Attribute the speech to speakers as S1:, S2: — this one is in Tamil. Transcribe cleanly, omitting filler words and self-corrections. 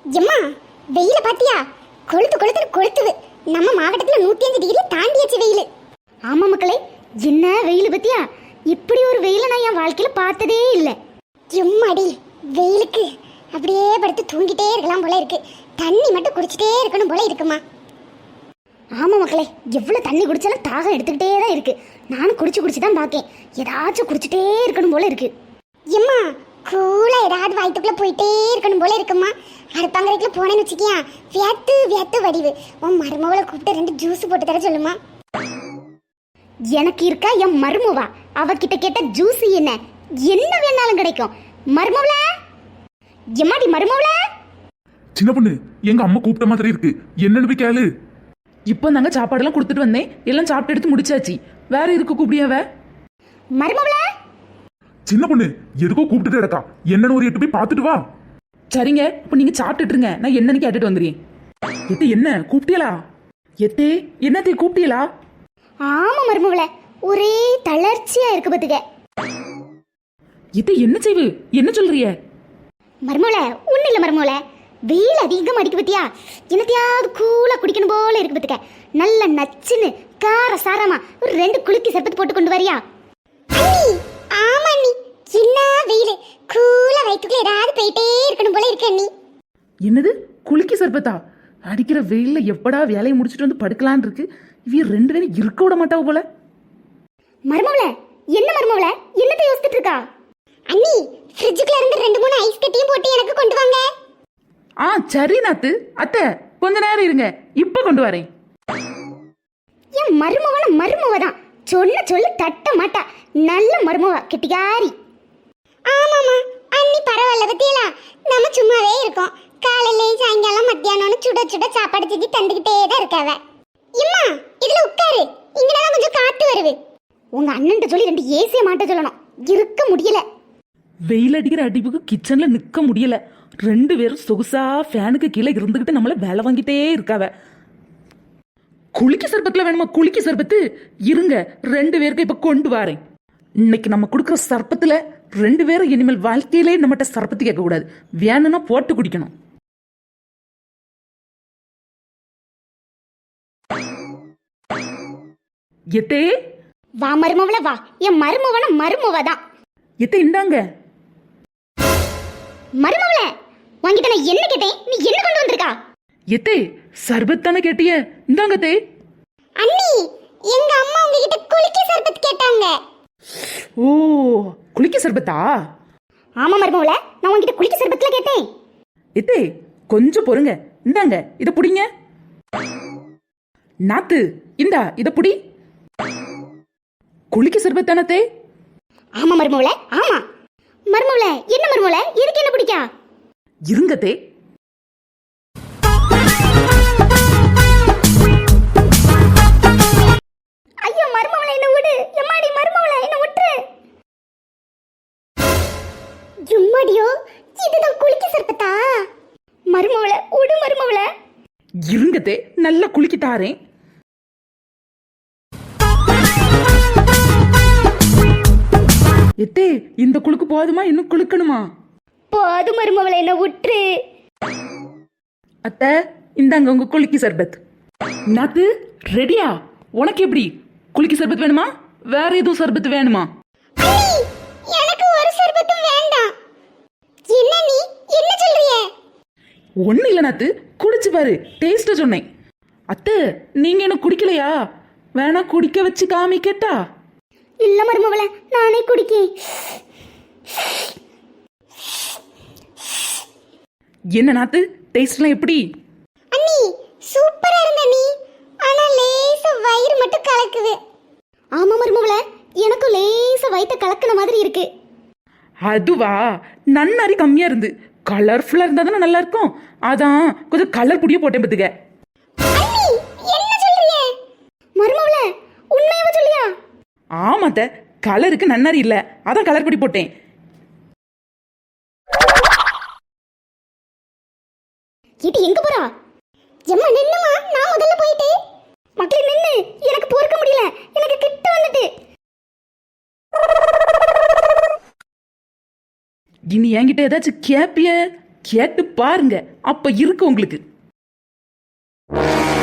S1: எம்மா வெயில பாத்தியா? கொளுத்து கொளுத்து கொளுத்துது. நம்ம மாவட்டத்துல 105 டிகிரி தாண்டியாச்சு வெயில்.
S2: ஆமா மக்களே, என்ன வெயில் பத்தியா? இப்படி ஒரு வெயில நான் என் வாழ்க்கையில பார்த்ததே இல்லை.
S1: எம்மாடி, வெயிலுக்கு அப்படியே படுத்து தூங்கிட்டே இருக்கலாம் போல இருக்கு. தண்ணி மட்டும் குடிச்சிட்டே இருக்கணும் போல இருக்குமா?
S2: ஆமா மக்களே, எவ்வளவு தண்ணி குடிச்சாலும் தாகம் எடுத்துக்கிட்டே தான் இருக்கு. நானும் குடிச்சு தான் பாக்கேன். ஏதாச்சும் குடிச்சிட்டே இருக்கணும் போல இருக்கு.
S1: எம்மா கூலா ஏதாவது வயிற்றுக்குள்ள போயிட்டே இருக்கணும் போல இருக்குமா? அடுப்பாங்கரைக்குள்ள போனேன்னு வச்சுக்கியா, வியத்து வியத்து வடிவு. உன் மருமகளை கூப்பிட்டு 2 ஜூஸ் போட்டு தர சொல்லுமா?
S2: எனக்கு இருக்கா என் மருமவா, அவகிட்ட கேட்ட ஜூஸ் என்ன என்ன வேணாலும் கிடைக்கும். மருமவள, எம்மாடி மருமவள.
S3: சின்ன பொண்ணு, எங்க அம்மா கூப்பிட்ட மாதிரி இருக்கு, என்னன்னு போய் கேளு.
S4: இப்போ நாங்க சாப்பாடெல்லாம் கொடுத்துட்டு வந்தேன், எல்லாம் சாப்பிட்டு எடுத்து முடிச்சாச்சு. வேற இருக்கு கூப்பிடியாவ?
S2: மருமவள.
S3: சின்ன பொண்ணு, எதுக்கோ கூப்பிட்டுட்டு இருக்கா, என்னன்னு ஒரு 8 போய் பார்த்துட்டு வா.
S4: சரிங்க, இப்போ நீங்க சாப்பிட்டுட்டு இருங்க, நான் என்னன்னு கேட்டுட்டு வந்துடுறேன். எத்தே என்ன கூப்பிட்டியலா? எத்தே என்னத்தே கூப்பிட்டியலா?
S2: ஆமா மருமவள, ஒரே தளர்ச்சியா இருக்கு பத்துக்க.
S4: எத்தே என்ன செய்வு, என்ன சொல்றிய?
S2: மருமவள ஒண்ணு இல்ல மருமவள, வெயில் அதிகமா அடிக்கு பத்தியா, என்னத்தையாவது கூலா குடிக்கணும் போல இருக்கு பத்துக்க. நல்ல நச்சுன்னு கார சாரமா ஒரு 2 குலுக்கி சர்பத்து போட்டு கொண்டு வரியா?
S1: ஆமா அண்ணி, என்ன வெயில், கூலா வயிற்றுக்குள்ள ஏதாவது போயிட்டே இருக்கணும் போல இருக்கு அண்ணி.
S4: என்னது குலுக்கி சர்பத்தா? அடிக்கிற வெயில்ல எப்படா வேலையை முடிச்சுட்டு வந்து படுக்கலான்னு இருக்கு. இவ 2 பேரும் இருக்க விட மாட்டாவ போல.
S2: மருமவள, என்ன மருமவள, என்னத்தை யோசிச்சுட்டு இருக்கா?
S1: அண்ணி, ஃப்ரிட்ஜுக்குள்ள இருந்து 2-3 ஐஸ் கட்டியும் போட்டு எனக்கு கொண்டு வாங்க.
S4: ஆ சரி நாத்து. அத்தை கொஞ்ச நேரம் இருங்க, இப்ப கொண்டு வரேன்.
S2: என் மருமவன மருமவதான், சொல்ல சொல்ல தட்ட மாட்டா. நல்ல மருமவா, கெட்டிகாரி.
S1: ஆமாமா அண்ணி, பரவாயில்ல பத்தியலா, நம்ம சும்மாவே இருக்கோம். காலையில சாயங்காலம் மத்தியானம்னு சுட சுட சாப்பாடு செஞ்சு தந்துகிட்டே தான் இருக்காவ. இம்மா இதுல உட்காரு, இங்கதான் கொஞ்சம் காத்து வருது.
S2: உங்க அண்ணன்ட்ட சொல்லி 2 ஏசிய மாட்ட சொல்லணும், இருக்க முடியல.
S4: வெயில் அடிக்கிற அடிப்புக்கு கிச்சன்ல நிக்க முடியல. 2 பேரும் சொகுசா ஃபேனுக்கு கீழே இருந்துகிட்டு நம்மள வேலை வாங்கிட்டே இருக்காவ. குளிக்க சர்பத்துல வேணுமா? குளிக்க சர்பத்து இருங்க, 2 பேருக்கு இப்ப கொண்டு வரேன். இன்னைக்கு நம்ம கொடுக்குற சர்பத்துல 2 பேரும் இனிமேல் வாழ்க்கையிலே நம்மகிட்ட சர்பத்து கேட்க கூடாது, வேணும்னா போட்டு குடிக்கணும். எத்தே
S2: வா மருமவள வா, என் மருமவன மருமவதான்.
S4: எத்தே இந்தாங்க.
S2: மருமவள, வாங்கிட்ட நான் என்ன கேட்டேன், நீ என்ன கொண்டு வந்திருக்கா?
S4: எத்தே சர்பத் தானே கேட்டிய, இந்தாங்க தே.
S1: அண்ணி, எங்க அம்மா உங்ககிட்ட குளிக்க சர்பத் கேட்டாங்க.
S4: ஓ, குளிக்க சர்பத்தா?
S2: ஆமா மருமவள, நான் உன்கிட்ட குளிக்க சர்பத்துல கேட்டேன்.
S4: எத்தே கொஞ்சம் பொறுங்க, இந்தாங்க இத புடிங்க. நாத்து இந்தா இத புடி. குளிக்க சர்பத் தானே தே?
S2: ஆமா மருமவள, ஆமா. மருமவள, என்ன மருமவள, எதுக்கு என்ன பிடிக்கா?
S4: இருங்க தே.
S2: ஐயோ மருமவள, என்ன விடு. எம்மாடி மருமவள, என்ன விட்டுரு.
S1: எம்மாடியோ, இதுதான் குளிக்க சர்பத்தா?
S2: மருமவள விடு மருமவள.
S4: இருங்க தே, நல்லா குளிக்கி தாரேன். எத்தே இந்த குளுக்கு போதுமா, இன்னும் குளுக்கணுமா?
S2: போது மருமவள, என்ன விட்டுரு.
S4: அத்தை இந்தாங்க உங்க குளிக்கி சர்பத். நாத்து ரெடியா? உனக்கு எப்படி குளிக்கி சர்பத் வேணுமா, வேற எதுவும் சர்பத் வேணுமா?
S1: அண்ணி, எனக்கு ஒரு சர்பத்தும் வேண்டாம். என்ன நீ என்ன சொல்றியே?
S4: ஒண்ணு இல்ல நாத்து, குடிச்சு பாரு, டேஸ்ட சொன்னேன். அத்தை நீங்க என்ன குடிக்கலையா? வேணா குடிக்க வச்சு காமிக்கட்டா?
S2: இல்ல மருமவள, நானே குடிக்கேன்.
S4: என்ன நாத்து, டேஸ்ட்லாம் எப்படி?
S1: அண்ணி சூப்பரா இருந்த நீ, ஆனா லேசா வயிறு மட்டும் கலக்குது.
S2: ஆமா மருமவள, எனக்கு லேசா வயித்த கலக்கின மாதிரி இருக்கு.
S4: அதுவா, நன்னாரி கம்மியா இருந்து கலர்ஃபுல்லா இருந்தா தானே நல்லா இருக்கும், அதான் கொஞ்சம் கலர் புடிய போட்டேன் பத்துக்க.
S1: அண்ணி என்ன சொல்றியே?
S2: மருமவள உண்மையாவ சொல்லியா?
S4: ஆமாத்த, கலருக்கு நன்னாரி இல்ல, அதான் கலர் பொடி போட்டேன்.
S2: இது எங்க போறா?
S1: எம்மா நின்னுமா, நான் முதல்ல போயிட்டு.
S2: மக்களே நின்னு, எனக்கு பொறுக்க முடியல, எனக்கு கிட்ட வந்துட்டு.
S4: இனி என்கிட்ட ஏதாச்சும் கேப்பிய? கேட்டு பாருங்க அப்ப இருக்கு உங்களுக்கு